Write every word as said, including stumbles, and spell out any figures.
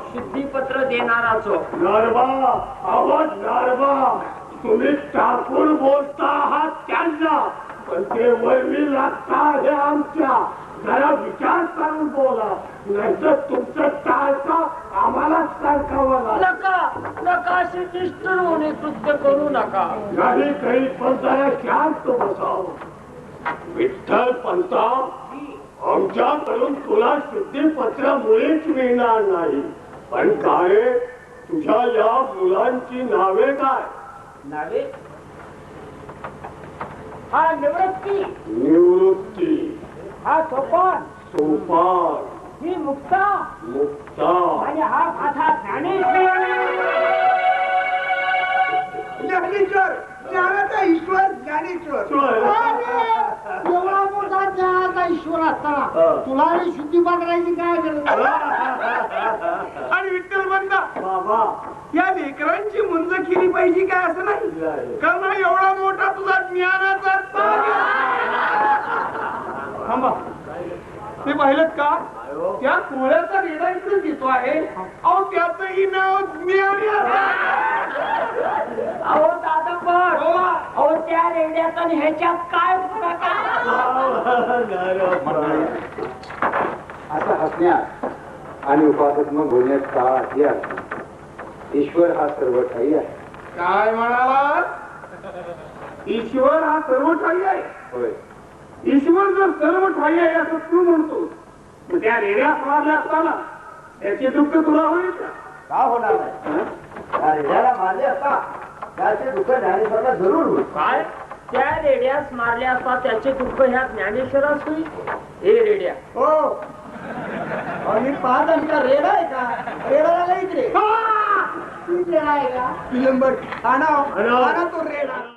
शुद्धीपत्र देणाराचो. नारबा आवाज नारबा, तुम्ही टाकून बोलता आहात त्यांना, पण ते वैरी लागता हे आमच्या. जरा विचार करून बोला, नाहीतर तुमचं टाळता आम्हाला सांगावं लागेल. नका नका असे निष्ठुर होणे कृत्य करू नका. नाही काही पण जरा शांत बसावं. विठ्ठल पंता, आमच्याकडून तुला शुद्धीपत्र मुळीच मिळणार नाही. पण काय, तुझ्या या मुलांची नावे काय? नावे? हा निवृत्ती. निवृत्ती. हा सोपान. सोपान. ही मुक्ता. मुक्ता. आणि हा माझा ज्ञानेश्वर. ज्ञानेश्वर, ज्ञानाचा ईश्वर ज्ञानेश्वर. एवढा मोठा ज्ञानाचा ईश्वर असताना तुला शुद्धीपत्राची काय गरज? आणि विठ्ठल म्हणता बाबा, या लेकरांची मुंज केली पाहिजे काय असं नाही, कारण हा एवढा मोठा तुझा ज्ञानाचा ताग आहे. थांबा, ते पाहिलं का? त्या कोळ्याचा रेडा इकडे घेतो आहे. अहो त्याचंही नाव ज्ञान आहे. अहो दादा पण अहो त्या रेड्यात आणि ह्याच्यात काय फरक आहे? आता हसण्यात आणि उपासनात्मक बोलण्यात का अर्थ? ईश्वर हा सर्व ठाई आहे. काय म्हणाला? ईश्वर हा सर्व ठाई आहे. होय, ईश्वर जर सर्व ठाई आहे असं तू म्हणतो, मग त्या रेड्या मारल्या असताना त्याचे दुःख तुला होईल का? का होणार नाही? त्या रेड्याला मारले असता त्याचे दुःख ज्ञानेश्वराला जरूर होईल. काय त्या रेड्यास मारल्या असता त्याचे दुःख ह्या ज्ञानेश्वरास होईल? हे रेड्या हो, आणि पाहत आमचा रेडा आहे का? रेडा नाही इकडे. विलंबर आणा, आणा तो रेडा.